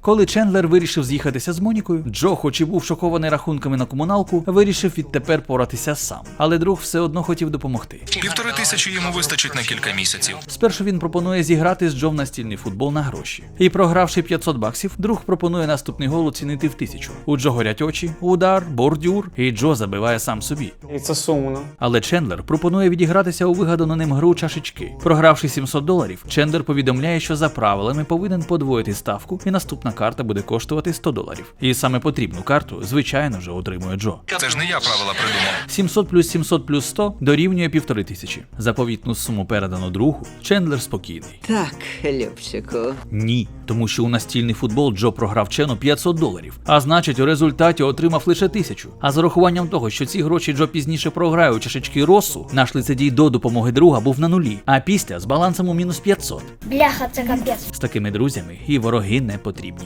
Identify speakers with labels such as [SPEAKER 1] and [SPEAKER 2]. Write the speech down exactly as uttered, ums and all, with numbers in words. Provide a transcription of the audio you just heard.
[SPEAKER 1] Коли Чендлер вирішив з'їхатися з Монікою, Джо, хоч і був шокований рахунками на комуналку, вирішив відтепер поратися сам. Але друг все одно хотів допомогти.
[SPEAKER 2] Півтори тисячі йому вистачить на кілька місяців.
[SPEAKER 1] Спершу він пропонує зіграти з Джо в настільний футбол на гроші. І програвши п'ятсот баксів, друг пропонує наступний гол оцінити в тисячу. У Джо горять очі, удар, бордюр, і Джо забиває сам собі.
[SPEAKER 3] І це сумно.
[SPEAKER 1] Але Чендлер пропонує відігратися у вигадану ним гру чашечки. Програвши сімсот доларів, Чендлер повідомляє, що за правилами повинен подвоїти ставку, і наступна карта буде коштувати сто доларів. І саме потрібну карту, звичайно ж, отримує Джо.
[SPEAKER 2] Це ж не я правила придумав.
[SPEAKER 1] сімсот плюс сімсот плюс сто дорівнює півтори тисячі. Заповітну суму передано другу, Чендлер спокійний.
[SPEAKER 4] Так, Любчику.
[SPEAKER 1] Ні, тому що у настільний футбол Джо програв Чену п'ятсот доларів, а значить у результаті отримав лише тисячу. А з урахуванням того, що ці гроші Джо пізніше програє у чашечки Россу, наш лицедій до допомоги друга був на нулі, а після з балансом у мінус п'ятсот.
[SPEAKER 5] Бляха, це капець.
[SPEAKER 1] З такими друзями і вороги не потрібні.